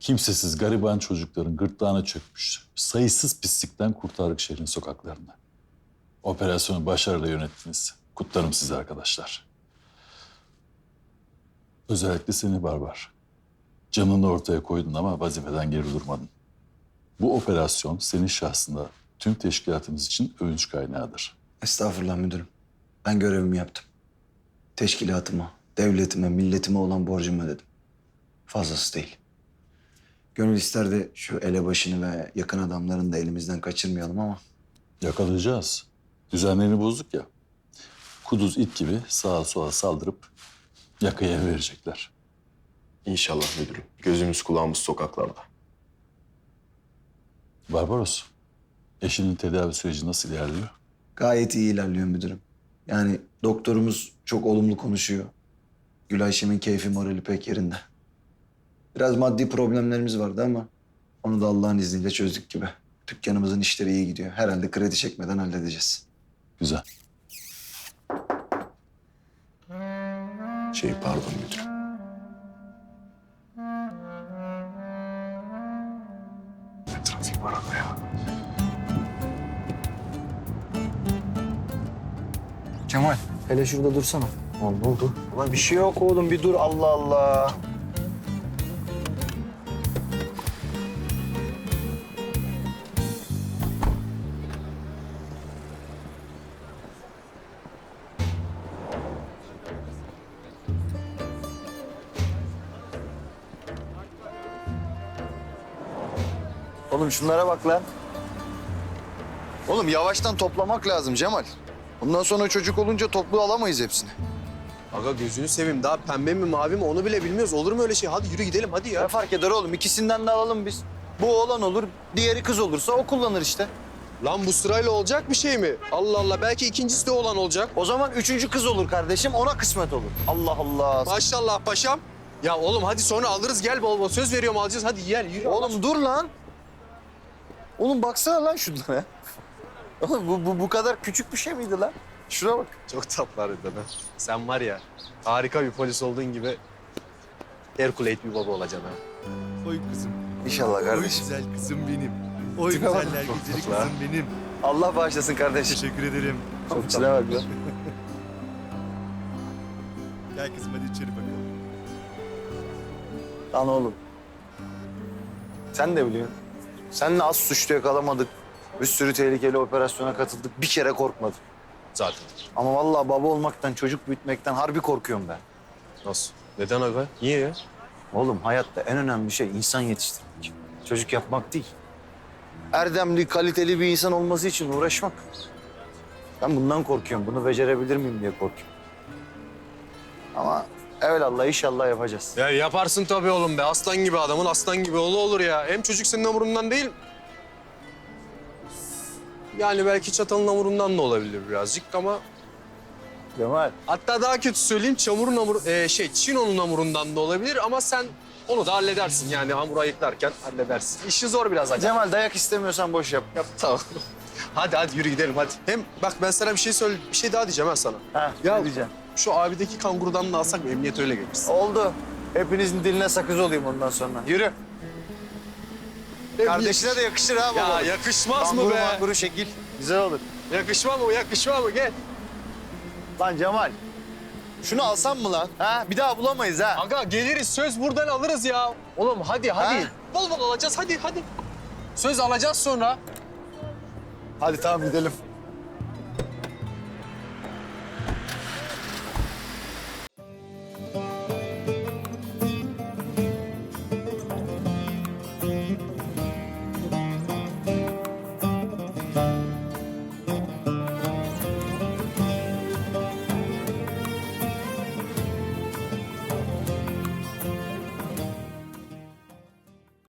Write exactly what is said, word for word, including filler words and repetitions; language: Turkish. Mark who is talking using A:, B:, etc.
A: Kimsesiz gariban çocukların gırtlağına çökmüş sayısız pislikten kurtardık şehrin sokaklarını. Operasyonu başarıyla yönettiniz. Kutlarım sizi arkadaşlar. Özellikle seni Barbar. Canını ortaya koydun ama vazifeden geri durmadın. Bu operasyon senin şahsında tüm teşkilatımız için övünç kaynağıdır.
B: Estağfurullah müdürüm. Ben görevimi yaptım. Teşkilatıma, devletime, milletime olan borcumu ödedim. Fazlası değil. Gönül isterdi şu elebaşını ve yakın adamlarını da elimizden kaçırmayalım ama...
A: Yakalayacağız. Düzenlerini bozduk ya. Kuduz it gibi sağa sola saldırıp yakaya verecekler.
C: İnşallah müdürüm. Gözümüz kulağımız sokaklarda.
A: Barbaros, eşinin tedavi süreci nasıl ilerliyor?
B: Gayet iyi ilerliyor müdürüm. Yani doktorumuz çok olumlu konuşuyor. Gül Ayşem'in keyfi morali pek yerinde. Biraz maddi problemlerimiz vardı ama onu da Allah'ın izniyle çözdük gibi. Dükkanımızın işleri iyi gidiyor. Herhalde kredi çekmeden halledeceğiz.
A: Güzel.
C: Şey pardon müdürüm. Ne trafik var ama ya.
B: Kemal, hele şurada dursana. Oğlum ne oldu? Ulan bir şey yok oğlum, bir dur Allah Allah. Oğlum şunlara bak lan. Oğlum yavaştan toplamak lazım Cemal. Bundan sonra çocuk olunca toplu alamayız hepsini.
D: Aga gözünü seveyim, daha pembe mi mavi mi onu bile bilmiyoruz. Olur mu öyle şey? Hadi yürü gidelim hadi ya.
B: Ne fark eder oğlum? İkisinden de alalım biz. Bu oğlan olur, diğeri kız olursa o kullanır işte.
D: Lan bu sırayla olacak bir şey mi? Allah Allah, belki ikincisi de olan olacak.
B: O zaman üçüncü kız olur kardeşim, ona kısmet olur. Allah Allah.
D: Maşallah paşam. Ya oğlum hadi sonra alırız, gel bol bol. Söz veriyorum alacağız, hadi gel yürü.
B: Oğlum dur lan. Oğlum baksana lan şunlara. Oğlum bu, bu, bu kadar küçük bir şey miydi lan? Şuna bak.
D: Çok tatlı harbiden ha. Sen var ya, harika bir polis olduğun gibi Herkuleyt bir baba olacaksın ha.
E: Oy kızım.
B: İnşallah
E: Oy
B: kardeşim.
E: güzel kızım benim. Oy
B: Tipe bak.
E: güzeller
B: Çok
E: güzeli
B: tatlı ha.
E: kızım benim.
B: Allah bağışlasın kardeşim.
E: Teşekkür ederim.
B: Çok içine bak lan.
E: Gel kızım hadi içeri bakalım.
B: Lan oğlum. Sen de biliyorsun. Seninle az suçlu yakalamadık. Bir sürü tehlikeli operasyona katıldık. Bir kere korkmadık.
D: Zaten.
B: Ama vallahi baba olmaktan, çocuk büyütmekten harbi korkuyorum ben.
D: Nasıl? Neden aga? Niye ya?
B: Oğlum hayatta en önemli şey insan yetiştirmek. Çocuk yapmak değil. Erdemli, kaliteli bir insan olması için uğraşmak. Ben bundan korkuyorum. Bunu becerebilir miyim diye korkuyorum. Ama evelallah inşallah yapacağız.
D: Ya yaparsın tabii oğlum be. Aslan gibi adamın aslan gibi oğlu olur ya. Hem çocuk senin hamurundan değil. Yani belki çatalın hamurundan da olabilir birazcık ama...
B: Cemal.
D: Hatta daha kötü söyleyeyim, çamurun hamuru, e, şey Çino'nun hamurundan da olabilir ama sen onu da halledersin yani hamuru ayıklarken halledersin. İşi zor biraz acaba.
B: Cemal dayak istemiyorsan boş yap.
D: Yap tamam. Hadi hadi yürü gidelim hadi. Hem bak ben sana bir şey söyle, bir şey daha diyeceğim ha sana.
B: Ha,
D: Ya
B: ne diyeceğim?
D: şu abideki kangurudan da alsak mı? Emniyet öyle gelirsin.
B: Oldu. Hepinizin diline sakız olayım ondan sonra. Yürü. Kardeşine de yakışır ha baba.
D: Ya yakışmaz mı
B: Kanguru
D: be?
B: manguru şekil. Güzel olur.
D: Yakışmaz mı? Yakışmaz mı? Gel.
B: Lan Cemal. Şunu alsam mı lan? Ha? Bir daha bulamayız ha.
D: Aga geliriz, söz buradan alırız ya. Oğlum hadi hadi.
B: Ha?
D: Bol bol alacağız hadi hadi. Söz alacağız sonra.
B: Hadi tamam gidelim.